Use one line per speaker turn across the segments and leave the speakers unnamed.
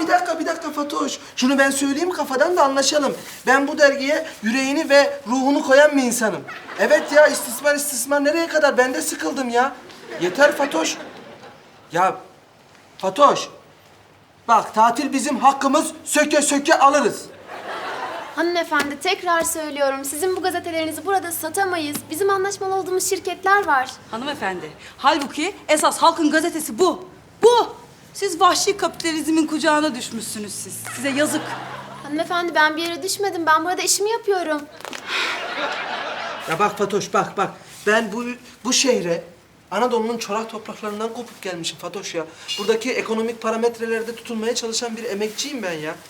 bir dakika Fatoş. Şunu ben söyleyeyim kafadan da anlaşalım. Ben bu dergiye yüreğini ve ruhunu koyan bir insanım. Evet ya, istismar nereye kadar? Ben de sıkıldım ya. Yeter Fatoş. Ya Fatoş. Bak, tatil bizim hakkımız, söke söke alırız.
Hanımefendi, tekrar söylüyorum. Sizin bu gazetelerinizi burada satamayız. Bizim anlaşmalı olduğumuz şirketler var.
Hanımefendi, halbuki esas halkın gazetesi bu. Bu! Siz vahşi kapitalizmin kucağına düşmüşsünüz siz. Size yazık.
Hanımefendi, ben bir yere düşmedim. Ben burada işimi yapıyorum.
Ya bak Fatoş, bak. Ben bu şehre Anadolu'nun çorak topraklarından kopup gelmişim Fatoş ya. Buradaki ekonomik parametrelerde tutunmaya çalışan bir emekçiyim ben ya.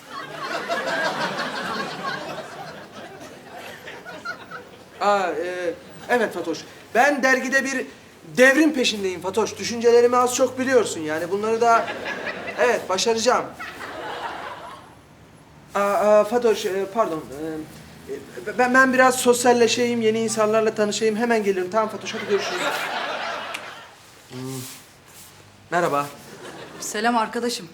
Evet Fatoş. Ben dergide bir devrim peşindeyim Fatoş. Düşüncelerimi az çok biliyorsun yani. Bunları da evet başaracağım. Fatoş, pardon. Ben biraz sosyalleşeyim, yeni insanlarla tanışayım. Hemen gelirim. Tamam Fatoş, hadi görüşürüz. Merhaba.
Selam arkadaşım.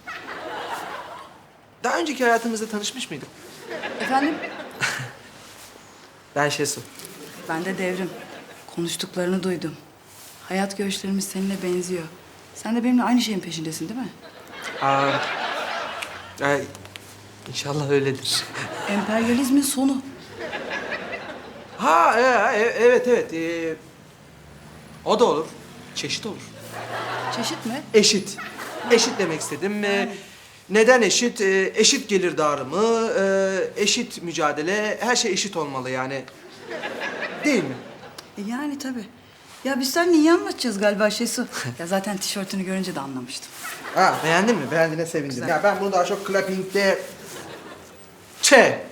Daha önceki hayatımızda tanışmış mıydık?
Efendim?
Ben Şesu.
Ben de Devrim. Konuştuklarını duydum. Hayat görüşlerimiz seninle benziyor. Sen de benimle aynı şeyin peşindesin değil mi?
İnşallah öyledir.
Emperyalizmin sonu.
Evet. O da olur. Çeşit olur.
Çeşit mi?
Eşit. Eşit demek istedim. Neden eşit? Eşit gelir dağılımı, eşit mücadele, her şey eşit olmalı yani. Değil mi?
Yani tabii. Ya biz seninle iyi anlaşacağız galiba Şesu. Ya zaten tişörtünü görünce de anlamıştım.
Beğendin mi? Beğendiğine sevindim.
Güzel.
Ya ben bunu daha çok clapping'de... Ç.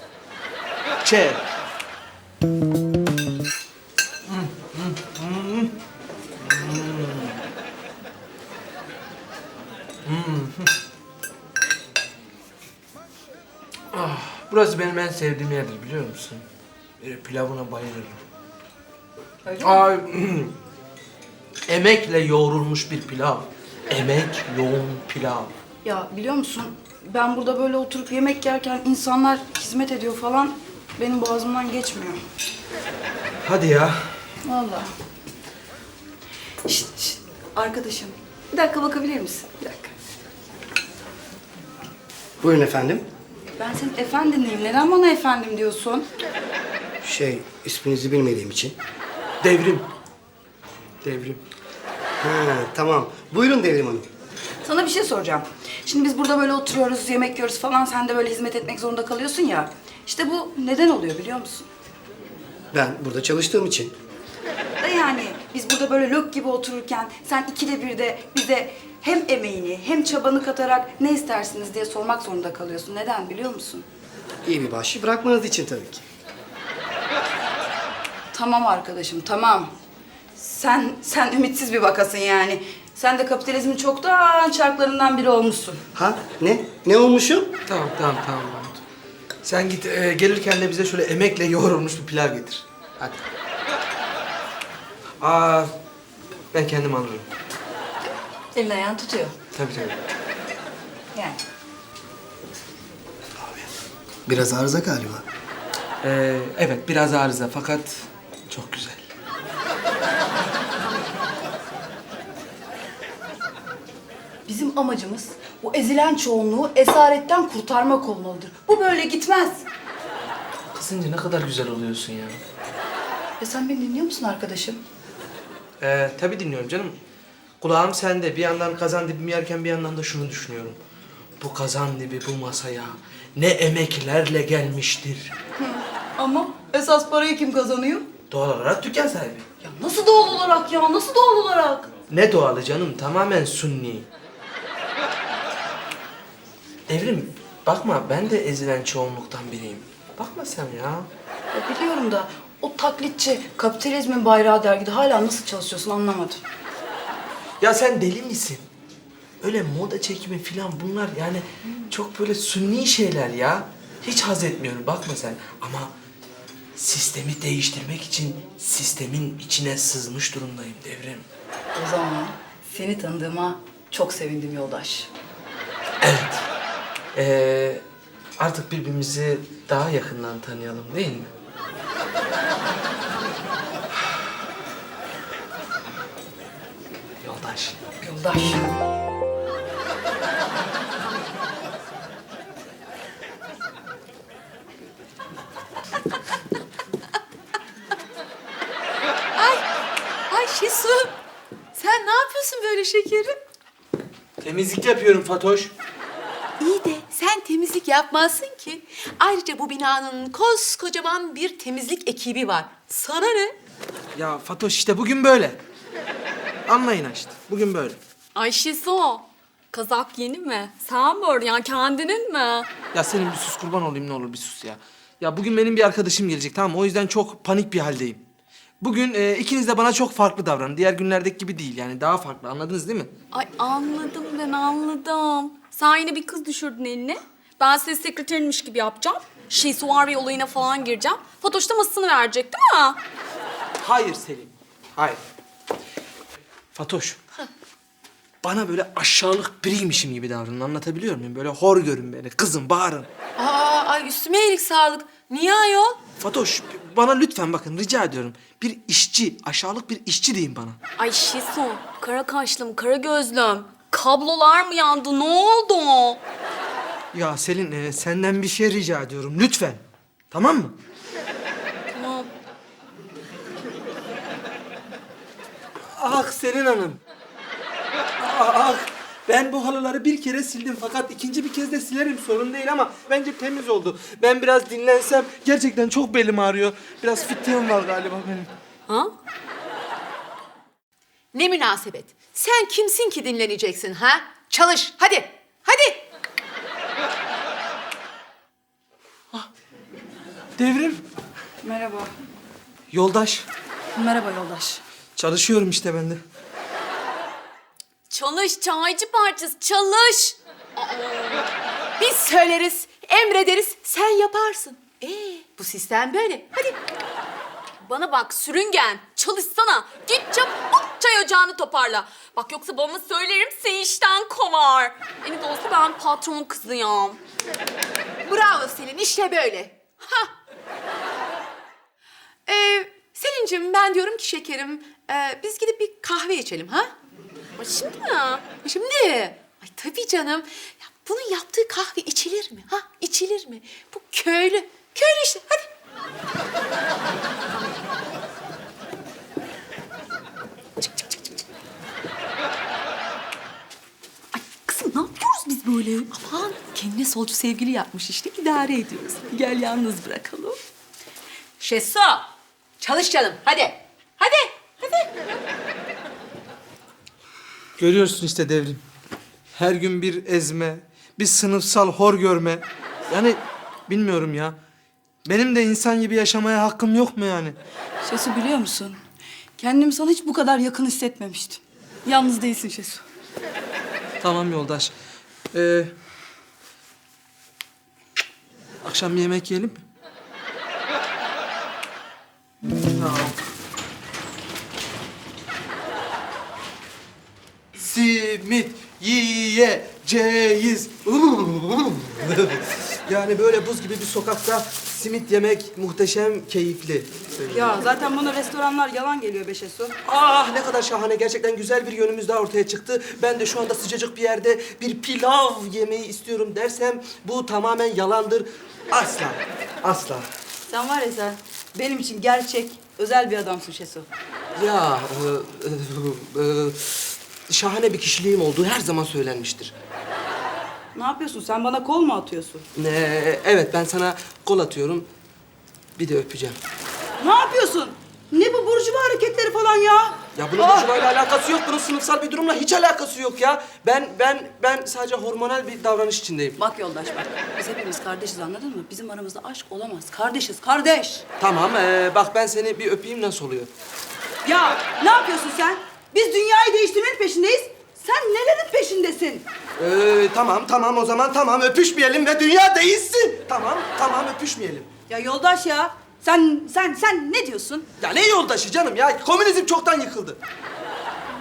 Burası benim en sevdiğim yerdir, biliyor musun? Pilavına bayılırım. Emekle yoğrulmuş bir pilav. Emek yoğun pilav.
Ya biliyor musun? Ben burada böyle oturup yemek yerken insanlar hizmet ediyor falan. Benim boğazımdan geçmiyor.
Hadi ya.
Vallahi. Şşt. Arkadaşım. Bir dakika bakabilir misin? Bir dakika.
Buyurun efendim.
Ben senin efendinliyim. Neden bana efendim diyorsun?
İsminizi bilmediğim için.
Devrim.
Ha, tamam. Buyurun Devrim Hanım.
Sana bir şey soracağım. Şimdi biz burada böyle oturuyoruz, yemek yiyoruz falan. Sen de böyle hizmet etmek zorunda kalıyorsun ya. İşte bu neden oluyor biliyor musun?
Ben burada çalıştığım için.
Da yani biz burada böyle lök gibi otururken sen ikide bir de bize hem emeğini hem çabanı katarak ne istersiniz diye sormak zorunda kalıyorsun. Neden biliyor musun?
İyi bir bahşiş bırakmanız için tabii ki.
Tamam arkadaşım, tamam. Sen ümitsiz bir vakasın yani. Sen de kapitalizmin çoktan çarklarından biri olmuşsun.
Ha? Ne? Ne olmuşum?
Tamam. Mahmut. Sen git, gelirken de bize şöyle emekle yoğrulmuş bir pilav getir. Hadi. Ben kendim alırım.
Elin ayağını tutuyor.
Tabii.
Yani.
Biraz arıza galiba.
Evet, biraz arıza fakat çok güzel.
Bizim amacımız bu ezilen çoğunluğu esaretten kurtarmak olmalıdır. Bu böyle gitmez.
Kızınca ne kadar güzel oluyorsun ya.
Ya sen beni dinliyor musun arkadaşım?
Tabii dinliyorum canım. Kulağım sende. Bir yandan kazan dibimi yerken bir yandan da şunu düşünüyorum. Bu kazan dibi bu masaya ne emeklerle gelmiştir.
Ama esas parayı kim kazanıyor?
Doğal olarak dükkan sahibi.
Ya nasıl doğal olarak ya? Nasıl doğal olarak?
Ne doğalı canım? Tamamen sunni. Devrim, bakma ben de ezilen çoğunluktan biriyim. Bakma sen ya.
Ya biliyorum da o taklitçi kapitalizmin bayrağı dergide hala nasıl çalışıyorsun anlamadım.
Ya sen deli misin? Öyle moda çekimi falan bunlar yani çok böyle sunni şeyler ya. Hiç haz etmiyorum bakma sen. Ama sistemi değiştirmek için sistemin içine sızmış durumdayım Devrim.
O zaman seni tanıdığıma çok sevindim yoldaş.
Evet. Artık birbirimizi daha yakından tanıyalım değil mi? Yoldaş.
Yoldaş.
Ay Şesu, sen ne yapıyorsun böyle şekerim?
Temizlik yapıyorum Fatoş.
İyi de sen temizlik yapmazsın ki. Ayrıca bu binanın koskocaman bir temizlik ekibi var. Sana ne?
Ya Fatoş işte bugün böyle. Anlayın işte. Bugün böyle.
Ay Şiso, kazak yeni mi? Sen mi ördün ya, kendinin mi?
Ya senin bir sus kurban olayım ne olur bir sus ya. Ya bugün benim bir arkadaşım gelecek tamam mı? O yüzden çok panik bir haldeyim. Bugün ikiniz de bana çok farklı davranın. Diğer günlerdeki gibi değil yani daha farklı anladınız değil mi?
Ay anladım ben anladım. Sen yine bir kız düşürdün eline. Ben ses sekreterinmiş gibi yapacağım. Şesuari olayına falan gireceğim. Fatoş da masasını verecek değil mi?
Hayır Selin. Hayır. Fatoş. Bana böyle aşağılık biriymişim gibi davranın anlatabiliyor muyum? Böyle hor görün beni, kızın, bağırın.
Ay üstüme iyilik sağlık. Niye ayol?
Fatoş bana lütfen bakın rica ediyorum. Bir işçi, aşağılık bir işçi deyin bana.
Ay Şesu, kara kaşlım, kara gözlüm. Kablolar mı yandı? Ne oldu?
Ya Selin senden bir şey rica ediyorum lütfen. Tamam mı?
Tamam.
Ah Selin Hanım. Ah ben bu halıları bir kere sildim fakat ikinci bir kez de silerim sorun değil ama bence temiz oldu. Ben biraz dinlensem gerçekten çok belim ağrıyor. Biraz fitliğim var galiba benim.
Ha? Ne münasebet. Sen kimsin ki dinleneceksin ha? Çalış hadi. Hadi.
Devrim.
Merhaba.
Yoldaş.
Merhaba yoldaş.
Çalışıyorum işte ben de.
Çalış çaycı parçası, çalış.
Biz söyleriz, emrederiz, sen yaparsın. Bu sistem böyle. Hadi.
Bana bak sürüngen, çalışsana. Git çabuk çay ocağını toparla. Bak yoksa babama söylerim seni işten kovar. En de olsa ben patron kızıyım.
Bravo Selin, işte böyle. Ha. Selin'cim ben diyorum ki şekerim, biz gidip bir kahve içelim ha?
Ay şimdi mi?
Şimdi. Ay tabii canım. Ya bunun yaptığı kahve içilir mi? Ha? İçilir mi? Bu köylü. Köylü işte. Hadi.
Kızım ne yapıyoruz biz böyle?
Aman.
Kendine solcu sevgili yapmış işte idare ediyoruz. Gel yalnız bırakalım.
Şesu. Çalış canım. Hadi. Hadi. Hadi.
Görüyorsun işte Devrim. Her gün bir ezme, bir sınıfsal hor görme. Yani bilmiyorum ya. Benim de insan gibi yaşamaya hakkım yok mu yani?
Şesu biliyor musun? Kendimi sana hiç bu kadar yakın hissetmemiştim. Yalnız değilsin Şesu.
Tamam yoldaş. Akşam bir yemek yiyelim mi? Tamam. Simit yiyeceğiz. Yani böyle buz gibi bir sokakta simit yemek muhteşem keyifli.
Ya zaten bana restoranlar yalan geliyor be Şesu.
Ah ne kadar şahane. Gerçekten güzel bir yönümüz daha ortaya çıktı. Ben de şu anda sıcacık bir yerde bir pilav yemeyi istiyorum dersem bu tamamen yalandır. Asla. Asla.
Sen var ya sen benim için gerçek, özel bir adamsın Şesu.
Ya şahane bir kişiliğim olduğu her zaman söylenmiştir.
Ne yapıyorsun? Sen bana kol mu atıyorsun?
Evet ben sana kol atıyorum. Bir de öpeceğim.
Ne yapıyorsun? Ne bu burjuva hareketleri falan ya?
Ya bunun burjuvayla alakası yok. Bunun sınıfsal bir durumla hiç alakası yok ya. Ben sadece hormonal bir davranış içindeyim.
Bak yoldaş bak. Biz hepimiz kardeşiz anladın mı? Bizim aramızda aşk olamaz. Kardeşiz, kardeş.
Tamam bak ben seni bir öpeyim nasıl oluyor?
Ya ne yapıyorsun sen? Biz dünyayı değiştirmenin peşindeyiz. Sen nelerin peşindesin?
Tamam o zaman tamam öpüşmeyelim ve dünya değişsin. Tamam öpüşmeyelim.
Ya yoldaş ya. Sen ne diyorsun?
Ya ne yoldaşı canım ya? Komünizm çoktan yıkıldı.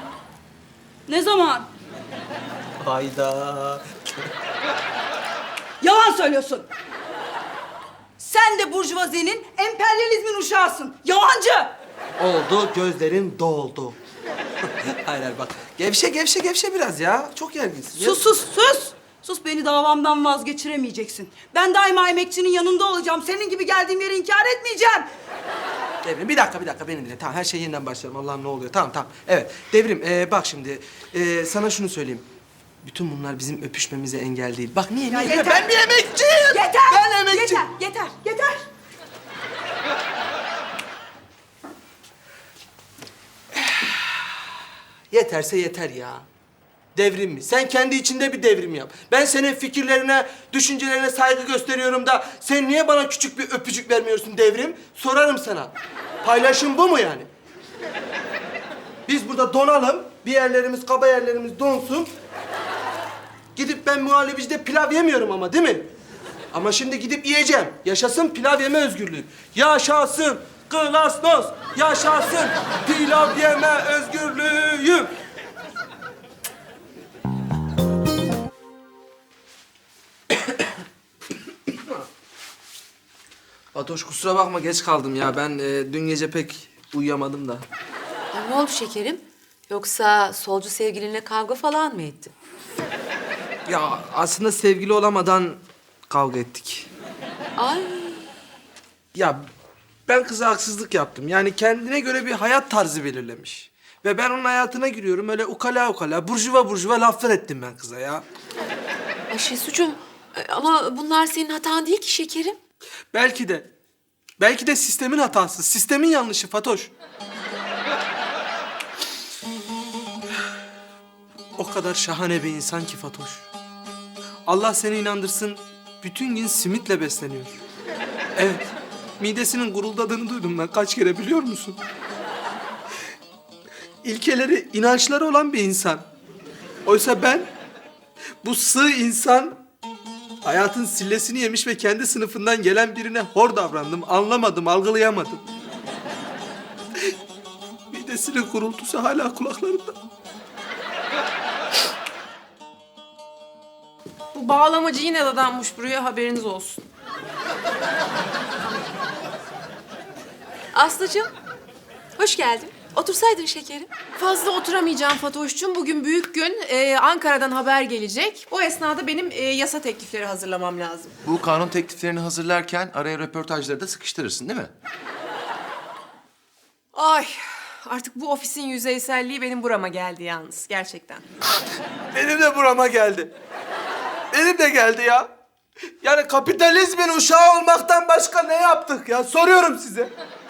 Ne zaman?
Hayda.
Yalan söylüyorsun. Sen de burjuvazinin, emperyalizmin uşağısın. Yalancı.
Oldu, gözlerin doldu. hayır hayır bak. Gevşe biraz ya. Çok gerginsin.
Sus sus sus. Sus, beni davamdan vazgeçiremeyeceksin. Ben daima emekçinin yanında olacağım. Senin gibi geldiğim yeri inkar etmeyeceğim.
Devrim bir dakika beni dinle. Tamam her şey yeniden başlayalım. Allah'ım ne oluyor? Tamam. Evet Devrim bak şimdi sana şunu söyleyeyim. Bütün bunlar bizim öpüşmemize engel değil. Bak niye?
yeter.
Ben bir emekçiyim.
Yeter.
Ben emekçiyim.
Yeter.
Yeterse yeter ya. Devrim mi? Sen kendi içinde bir devrim yap. Ben senin fikirlerine, düşüncelerine saygı gösteriyorum da sen niye bana küçük bir öpücük vermiyorsun Devrim? Sorarım sana. Paylaşım bu mu yani? Biz burada donalım, bir yerlerimiz, kaba yerlerimiz donsun. Gidip ben muhallebicide pilav yemiyorum ama değil mi? Ama şimdi gidip yiyeceğim. Yaşasın pilav yeme özgürlüğü. Yaşasın glasnost. Yaşasın pilav yeme özgürlüğü. Fatoş kusura bakma geç kaldım ya. Ben dün gece pek uyuyamadım da.
Ay, ne oldu şekerim? Yoksa solcu sevgilinle kavga falan mı ettin?
Ya aslında sevgili olamadan kavga ettik.
Ay,
Ya ben kıza haksızlık yaptım. Yani kendine göre bir hayat tarzı belirlemiş. Ve ben onun hayatına giriyorum. Öyle ukala, burjuva laflar ettim ben kıza ya.
ay Şesucuğum, ama bunlar senin hatan değil ki şekerim.
Belki de sistemin hatası, sistemin yanlışı Fatoş. O kadar şahane bir insan ki Fatoş. Allah seni inandırsın, bütün gün simitle besleniyor. Evet, midesinin guruldadığını duydum ben kaç kere biliyor musun? İlkeleri, inançları olan bir insan. Oysa ben, bu sığ insan, hayatın sillesini yemiş ve kendi sınıfından gelen birine hor davrandım. Anlamadım, algılayamadım. Midesinin gurultusu hala kulaklarımda.
Bu bağlamacı yine dadanmış buraya, haberiniz olsun.
Aslıcığım, hoş geldin. Otursaydın şekerim.
Fazla oturamayacağım Fatoş'cum. Bugün büyük gün. Ankara'dan haber gelecek. O esnada benim yasa teklifleri hazırlamam lazım.
Bu kanun tekliflerini hazırlarken araya röportajları da sıkıştırırsın değil mi?
Ay, artık bu ofisin yüzeyselliği benim burama geldi yalnız. Gerçekten.
Benim de burama geldi. Benim de geldi ya. Yani kapitalizmin uşağı olmaktan başka ne yaptık ya? Soruyorum size.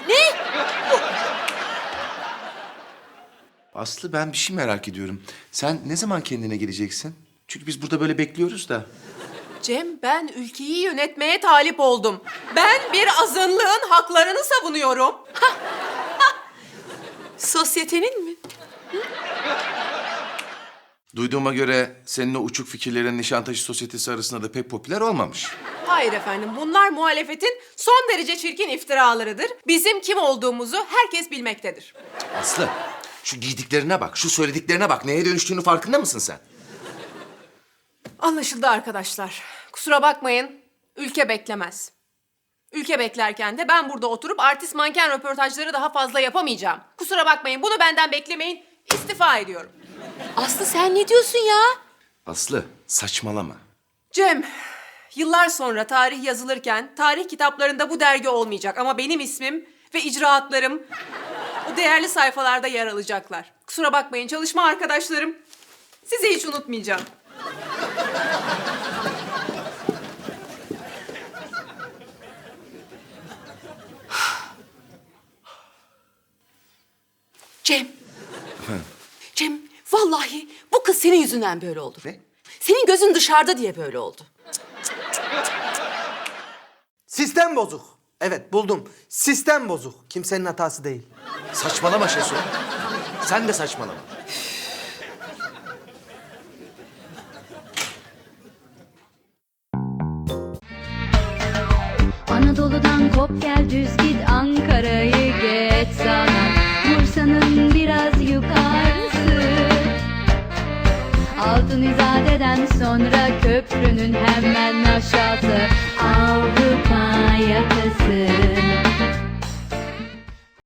Aslı ben bir şey merak ediyorum. Sen ne zaman kendine geleceksin? Çünkü biz burada böyle bekliyoruz da.
Cem, ben ülkeyi yönetmeye talip oldum. Ben bir azınlığın haklarını savunuyorum.
Sosyetenin mi?
Duyduğuma göre senin o uçuk fikirlerin Nişantaşı Sosyetesi arasında da pek popüler olmamış.
Hayır efendim, bunlar muhalefetin son derece çirkin iftiralarıdır. Bizim kim olduğumuzu herkes bilmektedir.
Aslı, şu giydiklerine bak, şu söylediklerine bak. Neye dönüştüğünü farkında mısın sen?
Anlaşıldı arkadaşlar. Kusura bakmayın, ülke beklemez. Ülke beklerken de ben burada oturup artist manken röportajları daha fazla yapamayacağım. Kusura bakmayın, bunu benden beklemeyin. İstifa ediyorum.
Aslı sen ne diyorsun ya?
Aslı, saçmalama.
Cem, yıllar sonra tarih yazılırken tarih kitaplarında bu dergi olmayacak ama benim ismim ve icraatlarım o değerli sayfalarda yer alacaklar. Kusura bakmayın çalışma arkadaşlarım. Sizi hiç unutmayacağım.
Cem. Cem, vallahi bu kız senin yüzünden böyle oldu.
Ne?
Senin gözün dışarıda diye böyle oldu.
Sistem bozuk. Evet buldum. Sistem bozuk. Kimsenin hatası değil.
Saçmalama Şesu. Sen de saçmalama.
Anadolu'dan kop gel düz git Ankara'yı geç sana Bursa'nın biraz yukarısı Altın İzade'den sonra köprünün hemen aşağısı Avrupa yakası.